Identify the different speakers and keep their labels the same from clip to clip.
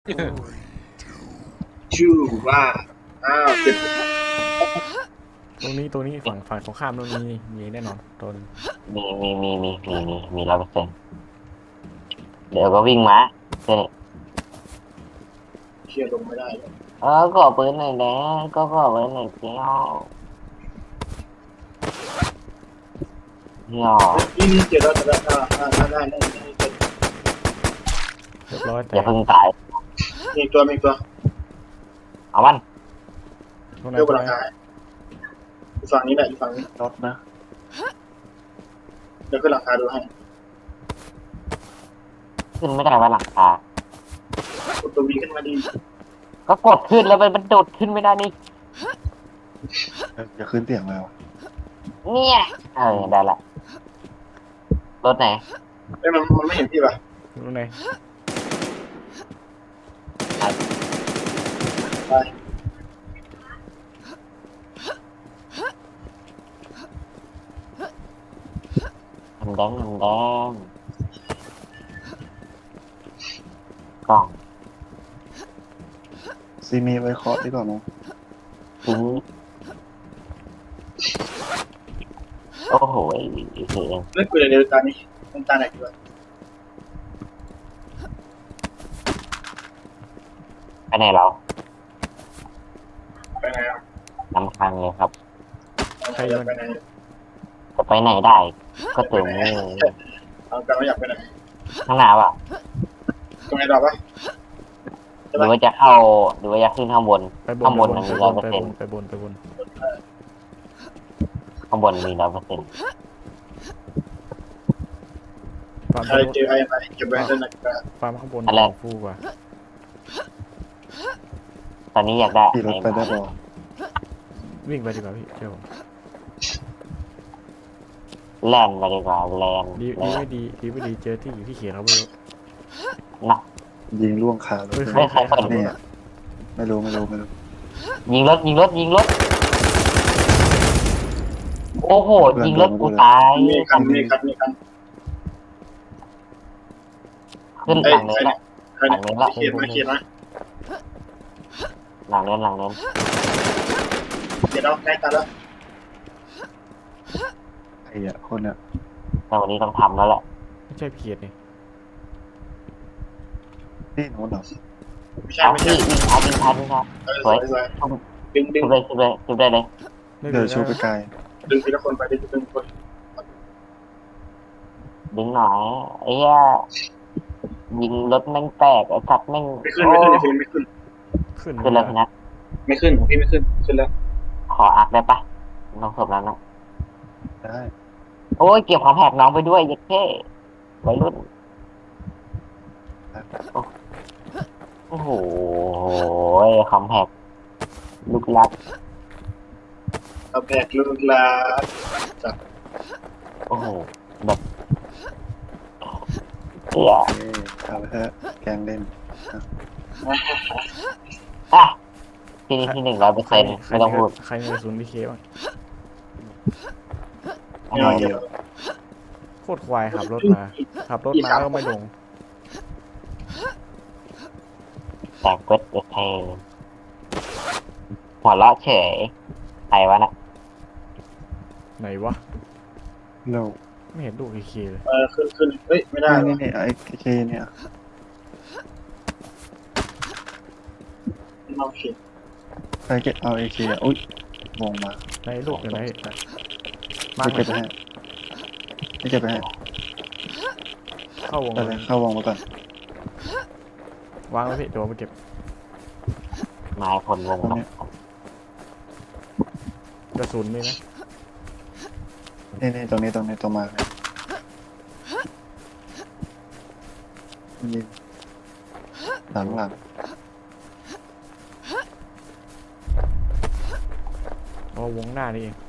Speaker 1: ชื่อว่าเจ็บ
Speaker 2: ตรงนี้ฝั่งตรงข้ามตรงนี้มีแน่นอนโดน
Speaker 3: มี100%เดี๋ยวก็วิ่งมาเช่
Speaker 1: เชียร์ลงไม่ได้เลย
Speaker 3: ก็ปืนหน่อยนะก็ปืนหน่อยเจ้าเหี่ยว
Speaker 1: นี่เจอแล้วได้
Speaker 2: เรียบร้อย
Speaker 3: อย่า
Speaker 2: แต่
Speaker 3: เพิ่งตาย
Speaker 1: มีตัว
Speaker 3: เอามัน
Speaker 2: ตรงไหน
Speaker 1: เรียก
Speaker 2: ตรง
Speaker 1: ว่า
Speaker 2: ไหน
Speaker 1: ราคาอยู่ฝั่งนี้แหละอยู่ฝั่งนี้
Speaker 4: รถนะ
Speaker 1: เดี๋ยวขึ้นราคาดูให้
Speaker 3: ขึ้นไม่ได้ว่าหลังคาก
Speaker 1: ดตัววีขึ้นมาดี
Speaker 3: ก็กดขึ้นแล้วมันโดดขึ้นไม่ได้นี่
Speaker 4: จะขึ้นเตียงแล้ว
Speaker 3: เนี่ยได้ละรถไหน
Speaker 1: มันไม่เห็นพี่ป่ะ
Speaker 2: ตรงไหน
Speaker 1: ไป
Speaker 3: น้ำแดงกล่อง
Speaker 4: ซีมีไว้เคาะดีกว่ามั้ง
Speaker 3: ทิ้งโอ้โหไอ้เหี้ย
Speaker 1: เล่นปืนเดียวตานี้มันตาไหนดีวะ
Speaker 3: ไปไหนเรา
Speaker 1: ไปไหนอ่ะ
Speaker 3: น้ำคังเลยครับ
Speaker 1: ไปไหน
Speaker 3: จะไปไหนได้ก็ถึงนี่
Speaker 1: เอากันว่าอยากไปไหน
Speaker 3: ข้างหน้าอ่ะ
Speaker 1: ตรงไหนต่อปะ
Speaker 3: หรือว่าจะเข้าหรือว่าจะขึ้นข้างบน
Speaker 2: ไปบน
Speaker 3: ข้างบน
Speaker 2: ไป
Speaker 3: มี
Speaker 2: บน
Speaker 3: 100%
Speaker 2: ไปบน
Speaker 3: ข้างบนมี100%
Speaker 2: ฟาร์ม
Speaker 1: ใครเจอไอ้ไหนเก็บไว้ด้านหนักกระ
Speaker 2: ฟาร์มข้างบนฟูกว่า
Speaker 3: ตอนนี้อยากได้
Speaker 4: ขี่รถไปได้ปะ
Speaker 2: วิ่งไปดีกว่าพี่เดี๋ยว
Speaker 3: แลนไปดีกว่าแลน
Speaker 2: ดีไม่ดีเจอที่อยู่ที่เขียนเขาไม่รู้
Speaker 3: นะ
Speaker 4: ยิงล่วงขาเลย
Speaker 2: ใครขับรถ
Speaker 4: เนี่ย
Speaker 2: อะ
Speaker 4: ไม่รู้
Speaker 3: ยิงรถโอ้โหยิงรถกูตาย
Speaker 1: มีคัน
Speaker 3: ขึ้นหลังเนินละ
Speaker 1: ใครเขียนมา
Speaker 3: หลังเนิน
Speaker 1: เดี๋ยวเราใกล้ตาแล้ว
Speaker 4: ไอ้อะคนเนี่ย
Speaker 3: แต่วันนี้ต้องทำแล้วแหละ
Speaker 2: ไม่ใช่เขียนนี่
Speaker 4: นี่โน้นเหรอ
Speaker 1: ไม่ใช่
Speaker 3: เอา
Speaker 1: ไม่ใช่
Speaker 3: พี่ยิงทันสวย
Speaker 1: ดึง
Speaker 3: ชุบได้เลย
Speaker 4: เดี๋ยวชูไปไกล
Speaker 1: ดึงทีละคนไปดึงคน
Speaker 3: ดึงหน่อยไอ้เหี้ยยิงรถแม่งแตกไอ้สัตว์แม่ง
Speaker 1: ไม่ขึ้นในฟิล์มไม่ขึ้น
Speaker 3: ขึ้นแล้วพี่นะ
Speaker 1: ไม่ขึ้นของพี่ไม่ขึ้นแล้ว
Speaker 3: ขออักได้ปะน้องศพแล้วนะ
Speaker 4: ได้
Speaker 3: โอ้ยเก็บของแหกน้องไปด้วยยัดเท่วัยรุ่นโอ้โหคอมแพกลูกรัก
Speaker 1: เอาแบกลูกลาจับ
Speaker 3: โอ้โหแบบเหี้ย
Speaker 4: เอาไปเถอะแกงเล่น
Speaker 3: อ่ะที่นี่ที่100%ไม่ต้องพูด
Speaker 2: ใครมีกระสุนพีเคบ้าง
Speaker 1: เยอะ
Speaker 2: โคตรควายขับรถมาก็ไม่ลง
Speaker 3: จากเวทเทหัวเราะเฉยใครวะน่ะ
Speaker 2: ไหนวะ
Speaker 4: เร็ว
Speaker 2: ไม่เห็นลูกพีเคเลย
Speaker 1: ขึ้นเฮ้ยไม่ได้
Speaker 4: นี่ไอ้เคเนี่ย
Speaker 1: เราเขียน
Speaker 4: ใครเก็บเอาไอ้เคอ่ะอุ้ย วงมา
Speaker 2: ไหนลูกอยู่ไหนมา
Speaker 4: ไม่เก็บไปให้ไม่เก็บไปให้
Speaker 2: เข้าวง
Speaker 4: ไปเลยเข้าวงมาก่อน
Speaker 2: วางไว้พี่เดี๋ยวไปเก็บ
Speaker 3: นายพลวง
Speaker 4: ตรง
Speaker 3: ครับ
Speaker 4: นี้
Speaker 2: กระสุนนี่นะ
Speaker 4: นี่ตรงนี้ตรงมาเนี่ยยิงหลัง
Speaker 2: อ๋อวงหน้านี่เอง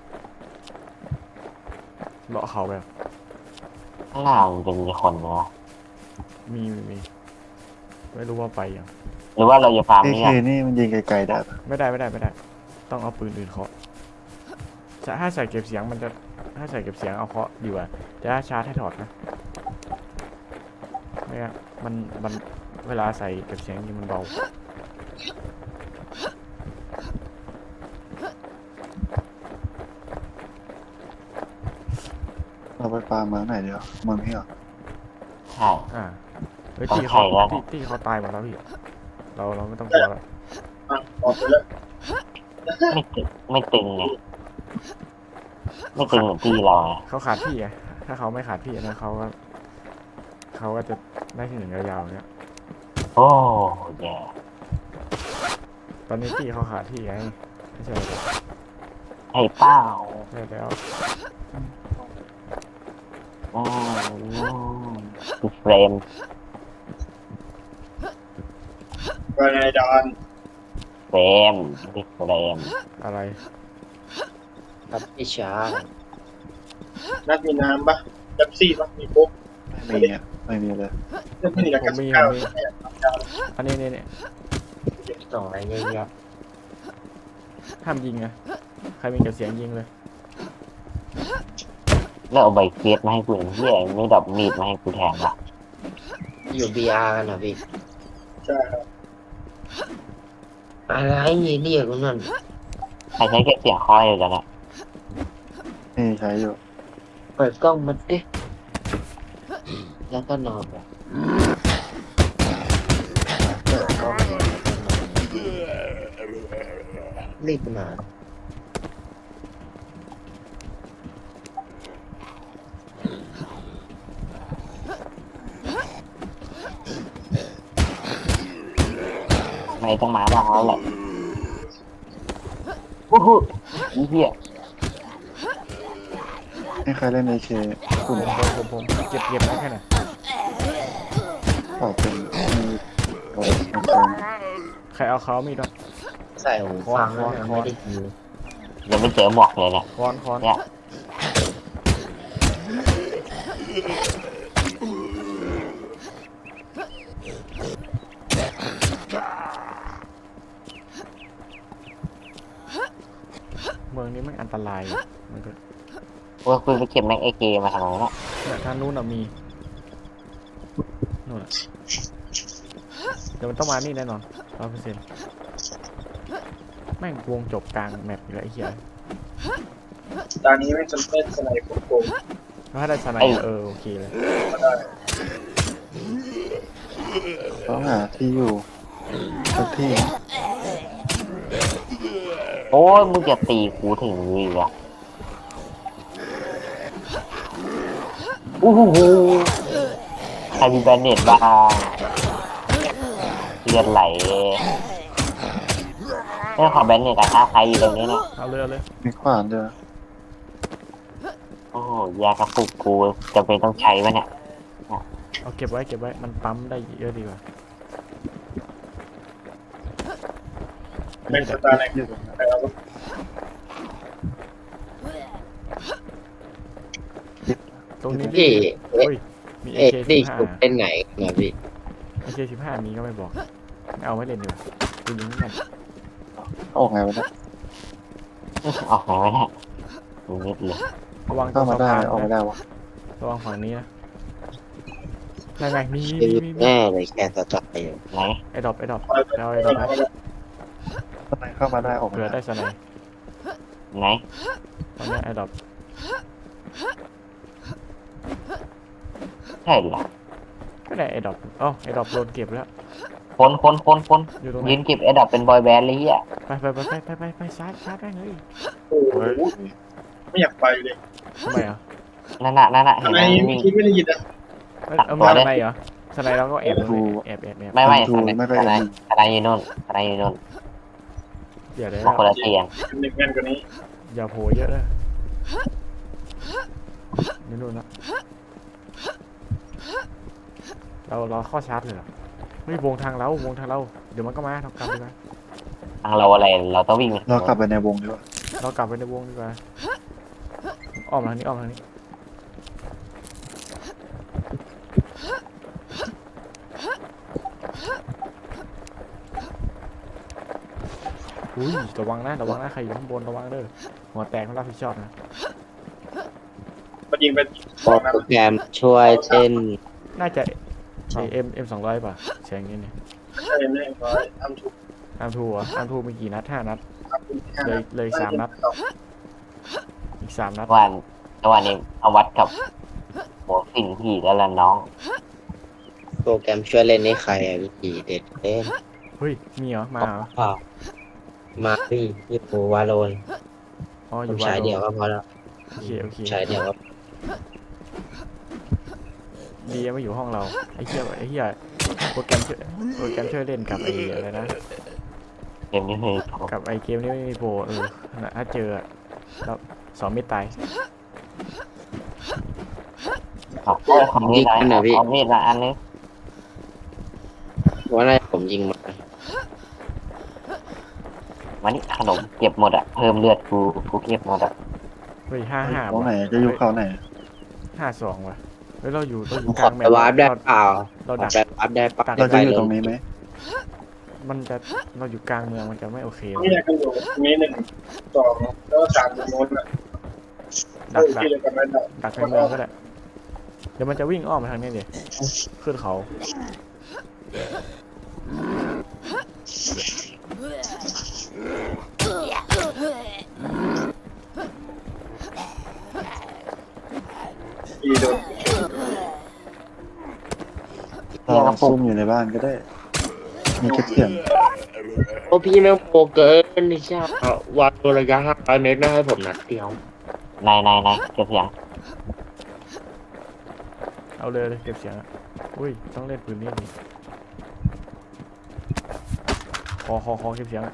Speaker 2: เลาะเขาแบบ
Speaker 3: ข้างหน้ามันจะมีคนนะ
Speaker 2: มีไม่รู้ว่าไปยัง
Speaker 3: หรือว่าเราจะฟาร์ม
Speaker 4: ไอ้
Speaker 3: นี่
Speaker 4: เค
Speaker 3: อ่ะ
Speaker 4: นี่มันยิงไกลๆได้ปะ
Speaker 2: ไม่ได้ต้องเอาปืนอื่นเคาะถ้าใส่เก็บเสียงมันจะถ้าใส่เก็บเสียงเอาเคาะดีกว่าจะชาร์จให้ถอดนะไม่งั้นมันเวลาใส่เก็บเสียงยิงมันเบา
Speaker 4: เราไปปามาไหนเดียวเมืองพี่เหรอ
Speaker 3: ใช่
Speaker 2: เฮ้ย
Speaker 3: ต้อง
Speaker 2: ตีเขา
Speaker 3: ใส่แล้ว
Speaker 2: ตีเขาตายหมดแล้วพี่เราไม่ต้องกลัวแล้ว
Speaker 1: อ่ะออกไปแล้ว
Speaker 3: ไม่ตึงไงไม่ตึงเหมือนที่เราไง
Speaker 2: เขาขาดพี่ไงถ้าเขาไม่ขาดพี่นะเขาก็จะได้ที่หนึ่งยาวๆเนี้ย
Speaker 3: โอ้แย่
Speaker 2: ตอนนี้ตีเขาขาดพี่ไงไม่ใช่เหรอ
Speaker 3: ให้เป้า
Speaker 2: ใช่แล้ว
Speaker 3: อืคือเฟรม
Speaker 1: ว่าไงดอน
Speaker 3: เฟรมคือเฟรม
Speaker 2: อะไร
Speaker 5: ครับพี่ช้า
Speaker 1: นัดมีน้ำปะเป๊ปซี่ปะมีปุ๊บ
Speaker 4: ไม่มีอ่ะไม่มีเลย
Speaker 1: เรื่องนี้กับ
Speaker 2: ผมมี
Speaker 1: ข้าว
Speaker 2: อันนี้เนี่ย
Speaker 5: ส่งอะไรเยอะแยะ
Speaker 2: ห้ามยิงไงใครมีเก็บเสียงยิงเลย
Speaker 3: แล้วเอาใบเฟียสมาให้กูเฮียไม่ดับมีดมาให้กูแทนวะ
Speaker 5: อยู่ BR กันนะพี่
Speaker 1: ใช่ครับ
Speaker 5: อะไรเรียกกูนั่น
Speaker 3: ใครใช้เก็บเสียงคอยอยู่กันนะ
Speaker 4: นี่ใช้อยู่
Speaker 5: เปิดกล้องมันดิแล้วก็นอนไปเปิดกล้องมันรีบนอน
Speaker 3: ไม่ต้องมาบ้างแล้วแหละโอ้โหเฮีย
Speaker 4: ให้ใครเล่น AK กลุ่ม
Speaker 2: ผมเก็บได้แค่ไหน
Speaker 4: ต่อเป็นมีโอ้ยมันเป็น
Speaker 2: ใครเอาเขามีดวะ
Speaker 5: ใส่หูฟังแล้วนะไม่ได้ยิน
Speaker 3: ยังไม่เจอหมอกเลยเนี่ย
Speaker 2: ค้อน
Speaker 3: เนี่ย
Speaker 2: เมืองนี้มันอันตรายอะมันก็
Speaker 3: ว่าคุณไปเก็บแม็กเอเกมาทำไมเนี่ย
Speaker 2: เนี่ยทางนู้นมีนู่นอะเดี๋ยวมันต้องมานี่แน่นอน100%แม่งวงจบกลางแมปอยู่แล้วไอ้เหี้ย
Speaker 1: ตอนนี้ไม่จำเป็นสไนเปอร์โกง
Speaker 2: ถ้าได้สไนด์โอเคเลย
Speaker 1: ก็ได้
Speaker 4: ต้องหาที่อยู่สักที่
Speaker 3: โอ้ยมึงจะตีกูถึงมือเหรอโอ้โหใครมีแบนเน็ตบ้างเลือดไหลเรื่องของแบนเน็ตอะถ้าใครอยู่ตรงนี้เนี่ย
Speaker 2: เอาเลย
Speaker 4: มีขวานเจอ
Speaker 3: โอ้โหยากระปุกกูจะเป็นต้องใช้วะเนี่ย
Speaker 2: เอาเก็บไว้มันปั๊มได้เยอะดีกว่า
Speaker 1: เป็นสตาร์ไหน
Speaker 4: อยู่ตรงนั้น
Speaker 1: ใครเอา
Speaker 2: ตรงนี้
Speaker 5: พี่
Speaker 2: เฮ้ยมี
Speaker 5: เอ็ดดี้
Speaker 2: AK15
Speaker 5: สุดเป็นไหนนะพี่
Speaker 2: AK15 มีก็ไม่บอกไม่เอาไว้เล่นดีกว่ากูยิงไม่แม่น
Speaker 4: ออกไงวะเนี่ย
Speaker 3: ออกไหนวะเนี่ยดูนิดเลย
Speaker 2: ระวังตร
Speaker 4: เข้าง มา
Speaker 2: สะ
Speaker 4: ได้
Speaker 2: พาน
Speaker 4: ออกไม่
Speaker 2: นะ
Speaker 4: ได้วะ
Speaker 2: ระวังฝั่งนี้นะนั่นไงมี
Speaker 5: แน่เลยแค่สต็อกเอง
Speaker 3: ไหน
Speaker 2: ไอ้ดรอปเอา
Speaker 1: เอา
Speaker 2: ไอ้ดรอปนะ
Speaker 4: ทำไมเข้ามาได้ออกไม่
Speaker 2: เผื่อ
Speaker 4: ได้
Speaker 2: ได้สไนด์
Speaker 3: ไหน
Speaker 2: ตอนนี้ไอ้ดรอป
Speaker 3: ใช่เหรอ
Speaker 2: ก็ได้ไอ้ดรอปไอ้ดรอปโดนเก็บแล้ว
Speaker 3: คน
Speaker 2: อยู่ตรงไหน
Speaker 3: ยืนเก็บแอดดับเป็นบอยแบนด์เลยเฮีย
Speaker 2: ไปชาร์จได้เลย
Speaker 1: โอ้โหไม่อยากไปเลย
Speaker 2: ทำไมอ่ะ
Speaker 3: นั่นน่ะเห็น
Speaker 1: ทำ
Speaker 3: ไห
Speaker 1: ไม
Speaker 3: ม
Speaker 1: ไม่
Speaker 3: วิ่ง
Speaker 1: คิดไม่ได้ยินอ่ะ
Speaker 2: เอามาสไนด์เหรอสไนด์เราก็แอบแอบ
Speaker 3: ไม่
Speaker 4: ทู
Speaker 3: อะไร
Speaker 4: ไม่ไป
Speaker 3: อะไร
Speaker 4: เอง
Speaker 3: อะไรอยู่นู่นอะไรอยู่นู่น
Speaker 2: เดี๋ยวได้
Speaker 3: มาคนละเตียง
Speaker 1: หนึ่งแม่นกว่านี้
Speaker 2: อย่าโผล่เยอะเลยนี่นู่นนะเราเข้าชาร์จเลยเหรอไม่วงทางเราเดี๋ยวมันก็มาเรากลับดีกว่า
Speaker 3: ทางเราอะไรเราต้องวิ่ง
Speaker 4: เรากลับไปในวงดีกว่า
Speaker 2: เรากลับไปในวงดีกว่าอ้อมทางนี้อุ้ยระวังนะใครอยู่ข้างบนระวังเด้อหัวแตกไม่รับผิดชอบนะ
Speaker 1: มันยิงเป็น
Speaker 5: โปรแกรมช่วยเต้น
Speaker 2: น่าจะใช้M200ป่ะแชงนี่เนี่ย
Speaker 1: ใช่แน่ร้อยทำถูก
Speaker 2: อาร์มทูอ่ะอาร์มทูมีกี่นัด5 นัด
Speaker 1: ทำ
Speaker 2: เลย3 นัดอีก3 นัด
Speaker 3: วันนี้เอาวัดกับโหสิ่งที่แล้วล่ะน้อง
Speaker 5: โปรแกรมช่วยเล่นนี่ใครอะพี่เด็ดเล่น
Speaker 2: เฮ้ยมีเหรอมาเหรอ
Speaker 5: เปล่ามาพี่ยี่ปูวาโลน
Speaker 2: อ๋ออ
Speaker 5: ผ
Speaker 2: ยู่
Speaker 5: ม
Speaker 2: ว่า
Speaker 5: ใช้เดียวก็พอแล้ว
Speaker 2: โอเคโอเค
Speaker 5: ใช้เดียวก็
Speaker 2: ดีไม่อยู่ห้องเราไอ้เหี้ยโปรแกรมช่วยเล่นกับไอ้อะไรนะ
Speaker 3: เกมนี้เลยครับ
Speaker 2: กับไอ้เกมนี้ไม่มีโปรถ้าเจอแล้วสอนไม่ตาย
Speaker 3: ครับของนี่นะของนี่นะอันนี้
Speaker 5: ว่าอะไรผมยิงมา
Speaker 3: วันนี้ขนมเก็บหมดอ่ะเพิ่มเลือดกูเก็บหมดอ่ะ
Speaker 2: เฮ้ย5
Speaker 4: เขาไหนจะอยู่เขาไหน
Speaker 2: 5-2ว่ะเฮ้ยเราอยู่
Speaker 5: ผม
Speaker 2: ก
Speaker 5: ข
Speaker 2: ลา
Speaker 5: อง
Speaker 2: แม
Speaker 5: ไป
Speaker 2: ป
Speaker 5: วาร์ปได้เปล่า
Speaker 2: เรา
Speaker 5: ขอ
Speaker 2: ดัก
Speaker 5: ไปวาร์ปได้ปะ
Speaker 4: เราจะอยู่ตรงนี้ไหม
Speaker 2: มันจะเราอยู่กลางเมืองมันจะไม่โอเค
Speaker 1: นี่อยากกันอยู่มี1 2แล้วก็3ตรงโน้นอ่ะ
Speaker 2: ดัก
Speaker 1: ที่เลยกันไม่ได้
Speaker 2: ดักในเมืองก็ได้เดี๋ยวมันจะวิ่งอ้อมมาทางนี้ดิขึ้นเขา
Speaker 1: ที่โดน
Speaker 4: เราซุ่มอยู่ในบ้านก็ได้ มีแค่เสียง
Speaker 5: โอ้พี่แม่งโปรเกินนี่ใช่วาโลระยะ500 เมตรได้ให้ผมนัดเดียว
Speaker 3: ในเก็บเสียง
Speaker 2: เอาเลยเก็บเสียงอะอุ้ยต้องเล่นปืนนี่ดิคอเก็บเสียงอะ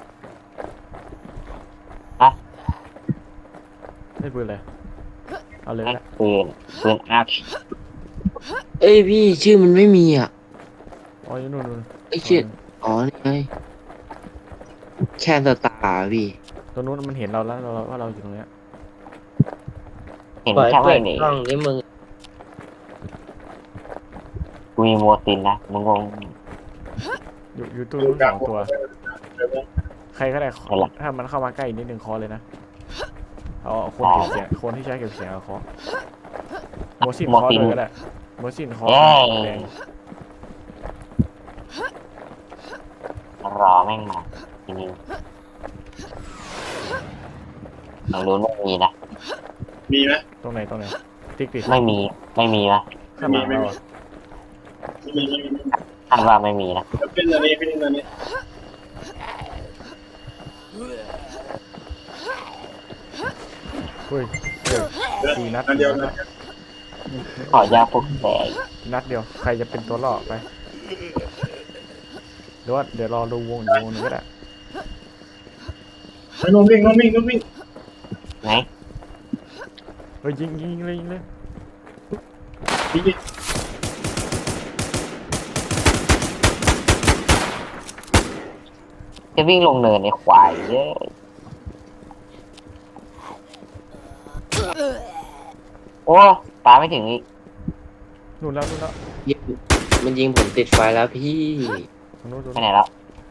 Speaker 3: ฮะ
Speaker 2: เล่นปืนเลยเอาเลย
Speaker 3: นั่น
Speaker 2: นะ
Speaker 3: ปืนอาร์ช
Speaker 5: เอ้ยพี่ชื่อมันไม่มีอ่ะ
Speaker 2: อ๋ออยู่นู่น
Speaker 5: ไอ้ชื่ออ๋อนี่ไงแค่สตาร์พี่
Speaker 2: ตรงนู้นมันเห็นเราแล้วเราว่าเราอยู่ตรงเนี้ย
Speaker 3: เห็น
Speaker 5: ปล่อย
Speaker 3: แค่
Speaker 5: เปิ
Speaker 3: ไม่
Speaker 5: ด
Speaker 3: หนี
Speaker 5: กล้องนี่มึง
Speaker 3: กูมีโมตินนะมึงงง
Speaker 2: อยู่ตู้นู้น2 ตัว ใครก็ได้ถ้ามันเข้ามาใกล้นิดนึงคอเลยนะเอาคนเก็บเสียงคนที่ใช้เก็บเสียงเอาคอโมซินคอเลยก็ได้โมซินคอแดง
Speaker 3: รอแม่งมาทีนี้ทางนู้นไม่มีนะ
Speaker 1: มีไหม
Speaker 2: ตรงไหนติ๊กดิ
Speaker 3: ไม่มีนะ
Speaker 2: ข้างหลังเราอะ
Speaker 1: มี
Speaker 3: คาดว่าไม่มีนะ
Speaker 1: เป็นอันนี้เป็นอันนี้
Speaker 2: เฮ้ย4 นัด
Speaker 1: อันเดียวนะ
Speaker 3: ขอยาพวกแสง
Speaker 2: นัดเดียวใครจะเป็นตัวล่อไปหรือว่าเดี๋ยวรอดูวงอีกวงหนึงก็ได้
Speaker 1: น้องวิ่ง
Speaker 3: ไหน
Speaker 2: เฮ้ยยิงเลย
Speaker 1: พี่
Speaker 3: จะวิ่งลงเนินในควายเยอะโอ้ปาไม่ถึงอีก
Speaker 2: นู่นแล้ว
Speaker 5: ยิงมันยิงผมติดไฟแล้วพี่
Speaker 2: ตรงนู้น
Speaker 3: ไปไหนแล้ว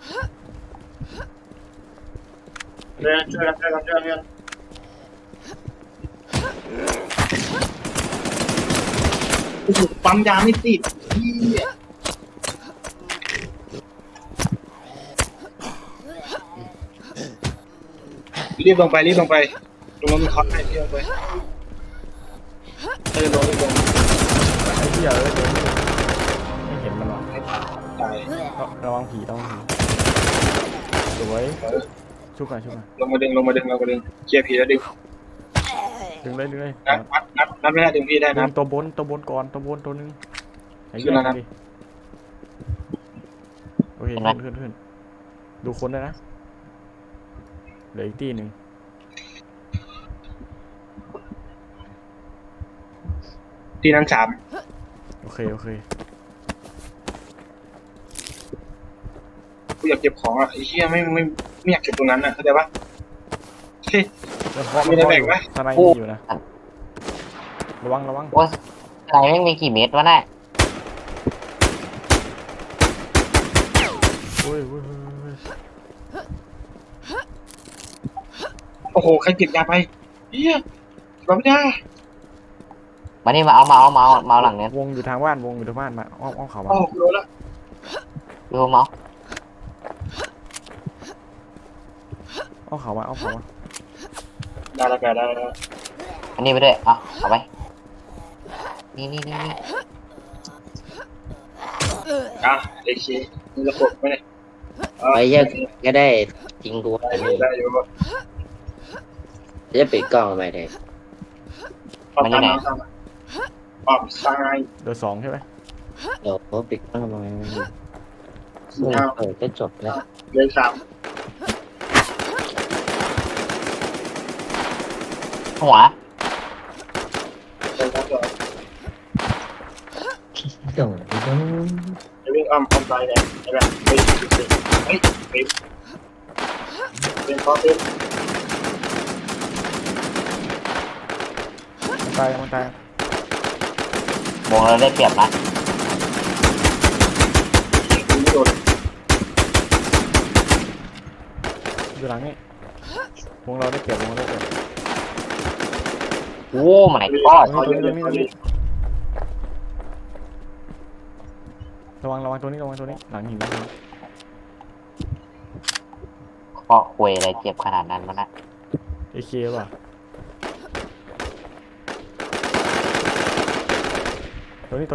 Speaker 1: เนี่ยช่วยกันปั๊มยาไม่ติดรีบลงไปตรงนั้นมีคอร์สให้รีบลงไปลง
Speaker 2: ไอ้เหี้ยเดี๋ยวไม่เห็นมันหรอก
Speaker 1: ตาย
Speaker 2: ระวังผีสวยชุบหน่อย
Speaker 1: ลงมาดึงเคลียร์ผีแล้วดึง
Speaker 2: ดึงเลย
Speaker 1: นับไม่ได้ดึงพี่ได้
Speaker 2: ดึ
Speaker 1: นะ
Speaker 2: งตัวบนก่อนตัวนึงไอ้
Speaker 1: ขึ้
Speaker 2: เหี้ย
Speaker 1: นแล้วนะ
Speaker 2: ดิโอเคขึ้นดูคนได้นะเหลืออีกตีหนึ่ง
Speaker 1: ที่นั้น3
Speaker 2: โอเค
Speaker 1: กูอยากเก็บของอ่ะไอ้เหี้ยไม่อยากเก็บตรงนั้นอ่ะเข้าใจปะเฮ้ย
Speaker 2: แล้วเคาะ
Speaker 1: มีอะไรแบ่งไหม
Speaker 2: ทนายมีอยู่นะระวัง
Speaker 3: โอ้อะไรแม่งมีกี่เม็ดวะน่ะ
Speaker 2: เฮ้ย
Speaker 1: โอ้โหใครเก็บยาไปเหี้ยรับไม่ได้
Speaker 3: มานี่มาเอาหลังเนี้ยว
Speaker 2: งอยู่ทางบ้านวงอยู่ทางบ้านมาอ้อมเขามา
Speaker 1: โอ้โหรู้แล้ว
Speaker 3: ดูเมาส์
Speaker 2: อ้อมเขามา
Speaker 1: ได้แล้วแกได้แล้ว
Speaker 3: อันนี้ไปด้วยเอาไปนี่
Speaker 1: อ่ะเด็กชี้มีระบบไหมเนี่ย
Speaker 5: ไปแยกก็ได้จริงกูอันนี้
Speaker 1: ได้อยู่ป่ะ
Speaker 5: จะปิดกล้องไปเลย
Speaker 1: ออกซ้าย
Speaker 2: เดือ2ใช่ไหม
Speaker 5: เดี๋ยวปิดกล้องมาก็จบแล้ว
Speaker 1: เลย3
Speaker 3: หัว
Speaker 1: เลยครับ
Speaker 5: จบ
Speaker 1: จะวิ่งอ้อมซ้ายเลยไอ้แบบเฮ้ยเป็นข้อเต็ม
Speaker 2: มันตายว
Speaker 3: งเราได้เปรียบนะ
Speaker 1: ไม่โดน
Speaker 2: อยู่หลังนี่วงเราได้เปรียบ
Speaker 3: โอ้my god
Speaker 2: ตรงนี้ระวังตัวนี้หลังหินนะ
Speaker 3: เพราะคุยอะไรเจ็บขนาดนั้นมันนะ
Speaker 2: AK ป่ะตัวนี้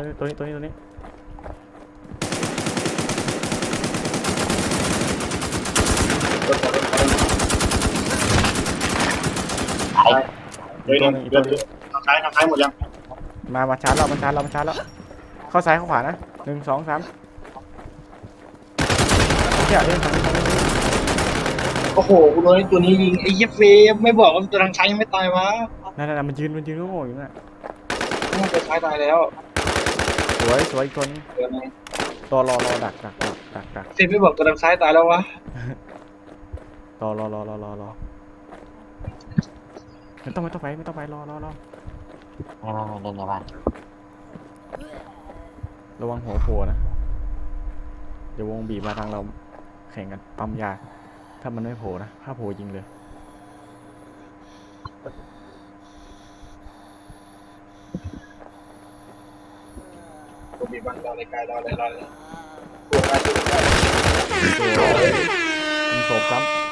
Speaker 3: ไอ้
Speaker 1: เดินทางซ้ายหมดยัง
Speaker 2: มาชาร์จเราเข้าซ้ายเข้าขวานะ1 2 3เดี๋ยวทาง
Speaker 1: โอ้โหกูโดนตัวนี้ยิงไอ้เหี้ยเฟมไม่บอกว่าตัวทางซ้ายยังไม่ตายวะ
Speaker 2: นั่นมันยืนก็โง่อยู่น่ะ
Speaker 1: มันตัวซ้ายตายแล้ว
Speaker 2: สวยอีกคน
Speaker 1: เดี๋ยวนะ
Speaker 2: รอดัก
Speaker 1: เฟมไม่บอกตัวทางซ้ายตายแล้ววะ
Speaker 2: รอไม่ต้องไปรอ
Speaker 3: เล่นในบ้าน
Speaker 2: ระวังหัวโผล่นะเดี๋ยววงบีบมาทางเราแข่งกันปั๊มยาถ้ามันไม่โผล่นะถ้าโผล่ยิงเลย
Speaker 1: ผมมีบ้านรอเลยกายรอเลยตัวได้
Speaker 2: ยิงศพซ้ำ